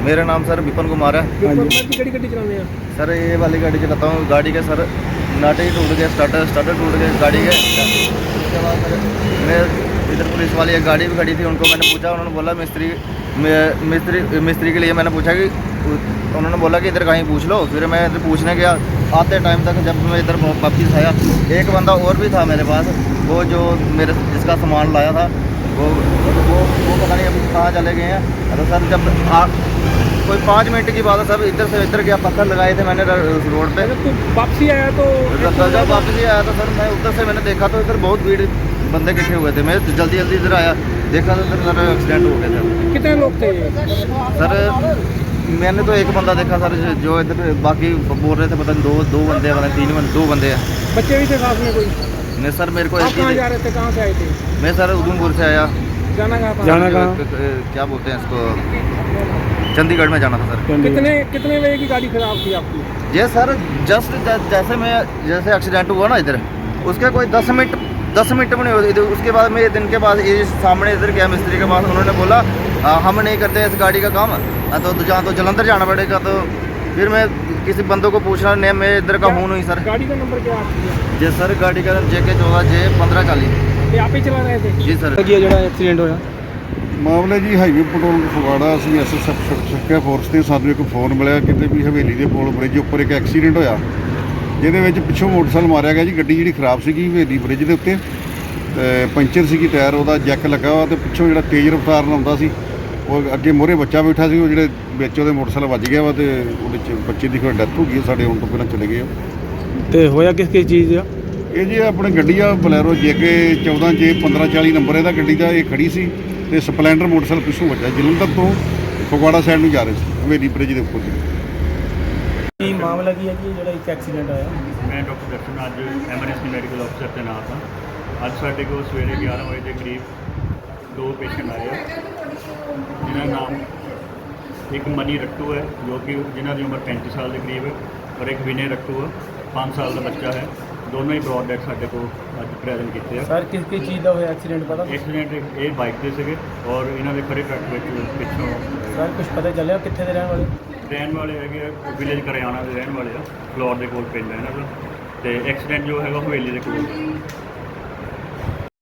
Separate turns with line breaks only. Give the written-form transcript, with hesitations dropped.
मेरा नाम सर विपिन कुमार है।
किहड़ी गड्डी चलाने हैं?
सर ये वाली गाड़ी चलाता हूँ। गाड़ी के सर नाटे ही टूट गए, स्टार्टर टूट गए गाड़ी के। उसके बाद सर मैं इधर पुलिस वाली एक गाड़ी भी खड़ी थी, उनको मैंने पूछा, उन्होंने बोला मिस्त्री के लिए मैंने पूछा कि उन्होंने बोला कि इधर कहीं पूछ लो। फिर मैं इधर पूछने गया, आते टाइम तक जब मैं इधर वापस आया एक बंदा और भी था मेरे पास, वो जो मेरे जिसका सामान लाया था वो पता नहीं अभी कहाँ चले गए हैं। तो सर जब कोई 5 मिनट की बात है, सब इधर से इधर गया, पत्थर लगाए थे मैंने रोड पे।
तो वापसी आया तो
जब वापसी आया तो सर मैं उधर से मैंने देखा तो इधर बहुत भीड़ बंदे इकट्ठे हुए थे। मैं जल्दी इधर आया, देखा तो इधर सर एक्सीडेंट हो गया था।
कितने लोग थे ये?
सर मैंने तो एक बंदा देखा सर, जो इधर बाकी बोल रहे थे पता नहीं दो बंदे हैं, पता नहीं 2 बंदे हैं।
बच्चे भी थे साथ में कोई?
नहीं सर मेरे को
आप कहाँ जा रहे थे, कहाँ से आए थे?
मैं सर उधमपुर से आया।
जाना कहाँ?
क्या बोलते हैं इसको, चंडीगढ़ में जाना था सर।
कितने बजे की गाड़ी खराब थी आपकी?
ये सर जस्ट जैसे एक्सीडेंट हुआ ना इधर, उसके कोई 10 मिनट में नहीं होती थी। उसके बाद मैं दिन के बाद ये सामने इधर गया मिस्त्री के पास, उन्होंने बोला हम नहीं करते इस गाड़ी का काम, तो जहाँ तो जलंधर जाना पड़ेगा। तो फिर मैं किसी बंदों को पूछना, नहीं मैं इधर का हूँ नहीं सर।
गाड़ी का नंबर क्या आपकी?
जी सर गाड़ी का JK14J1540।
ये आप ही चला रहे थे?
जी सर।
ਜਿਹੜਾ ਐਕਸੀਡੈਂਟ ਹੋਇਆ
ਮਾਮਲਾ ਜੀ ਹਾਈਵੇ ਪੈਟਰੋਲ ਫਗਵਾੜਾ, ਅਸੀਂ ਸੱਕਿਆ ਫੋਰਸ ਤੇ ਸਾਨੂੰ ਇੱਕ ਫੋਨ ਮਿਲਿਆ ਕਿਤੇ ਵੀ ਹਵੇਲੀ ਦੇ ਪੁਲ ਬ੍ਰਿਜ ਉੱਪਰ ਇੱਕ ਐਕਸੀਡੈਂਟ ਹੋਇਆ, ਜਿਹਦੇ ਵਿੱਚ ਪਿੱਛੋਂ ਮੋਟਰਸਾਈਕਲ ਮਾਰਿਆ ਗਿਆ ਜੀ। ਗੱਡੀ ਜਿਹੜੀ ਖਰਾਬ ਸੀਗੀ ਹਵੇਲੀ ਬ੍ਰਿਜ ਦੇ ਉੱਤੇ, ਤੇ ਪੰਚਰ ਸੀਗੀ, ਟਾਇਰ ਉਹਦਾ ਜੈਕ ਲੱਗਾ ਵਾ, ਤੇ ਪਿੱਛੋਂ ਜਿਹੜਾ ਤੇਜ਼ ਰਫ਼ਤਾਰ ਨਾਲ ਆਉਂਦਾ ਸੀ, ਉਹ ਅੱਗੇ ਮੋਹਰੇ ਬੱਚਾ ਬੈਠਾ ਸੀ, ਉਹ ਜਿਹੜੇ ਵਿੱਚ ਉਹਦੇ ਮੋਟਰਸਾਈਕਲ ਵੱਜ ਗਿਆ ਵਾ, ਤੇ ਉਹਦੇ 'ਚ ਬੱਚੇ ਦੀ ਕੋਈ ਡੈਥ ਹੋ ਗਈ। ਸਾਡੇ ਆਉਣ ਤੋਂ ਪਹਿਲਾਂ ਚਲੇ ਗਏ।
ਤੇ ਹੋਇਆ ਕਿਸ ਚੀਜ਼ ਦਾ?
ਇਹ ਜੀ ਆਪਣੀ ਗੱਡੀ ਆ ਬਲੈਰੋ JK14J1540 ਨੰਬਰ ਇਹਦਾ ਗੱਡੀ ਦਾ। ਇਹ ਖੜੀ ਸੀ ਤੇ ਸਪਲੈਂਡਰ ਮੋਟਰਸਾਈਕਲ ਪਿੱਛੋਂ ਵੱਜਾ, ਜਲੰਧਰ ਤੋਂ ਫਗਵਾੜਾ ਸਾਈਡ ਨੂੰ ਜਾ ਰਹੇ ਸੀ, ਹਵੇਲੀ ਬ੍ਰਿਜ ਦੇ ਉੱਪਰ ਜੀ।
ਕੀ ਮਾਮਲਾ ਕੀ ਹੈ ਜੀ ਜਿਹੜਾ ਇੱਕ ਐਕਸੀਡੈਂਟ ਆਇਆ?
ਮੈਂ ਡਾਕਟਰ ਦਰਸ਼ਨ ਅੱਜ ਐਮਰਜੈਂਸੀ ਮੈਡੀਕਲ ਅਫਸਰ ਤੈਨਾਤ ਹਾਂ। ਅੱਜ ਸਾਡੇ ਕੋਲ ਸਵੇਰੇ 11 ਵਜੇ ਦੇ ਕਰੀਬ 2 ਪੇਸ਼ੈਂਟ ਆਏ ਆ, ਜਿਨ੍ਹਾਂ ਦਾ ਨਾਮ ਇੱਕ ਮਨੀ ਰੱਟੂ ਹੈ, ਜੋ ਕਿ ਜਿਨ੍ਹਾਂ ਦੀ ਉਮਰ 35 ਸਾਲ ਦੇ ਕਰੀਬ ਹੈ, ਔਰ ਇੱਕ ਵਿਨੇ ਰੱਟੂ ਹੈ, 5 ਸਾਲ ਦਾ ਬੱਚਾ ਹੈ। ਦੋਨੋਂ ਹੀ ਬਰੋਡ ਡੈਥ ਸਾਡੇ ਕੋਲ ਅੱਜ ਪ੍ਰੈਜ਼ੈਂਟ ਕੀਤੇ ਆ।
ਸਰ ਕਿਸ ਚੀਜ਼ ਦਾ ਹੋਇਆ ਐਕਸੀਡੈਂਟ ਪਤਾ?
ਐਕਸੀਡੈਂਟ ਇਹ ਬਾਈਕ ਤੇ ਸੀਗੇ, ਔਰ ਇਹਨਾਂ ਦੇ ਖੜੇ ਟਰੱਕ ਵਿੱਚ ਪਿੱਛੋਂ
ਸਰ ਕੁਝ ਪਤਾ ਚੱਲਿਆ ਕਿੱਥੇ ਦੇ
ਰਹਿਣ ਵਾਲੇ ਹੈਗੇ ਆ, ਵਿਲੇਜ ਕਰਿਆਣਾ ਦੇ ਰਹਿਣ ਵਾਲੇ ਆ, ਫਲੋਰ ਦੇ ਕੋਲ ਪਿੰਡ ਹੈ ਇਹਨਾਂ ਦਾ। ਤੇ ਐਕਸੀਡੈਂਟ ਜੋ ਹੈਗਾ ਹਵੇਲੀ ਦੇ ਕੋਲ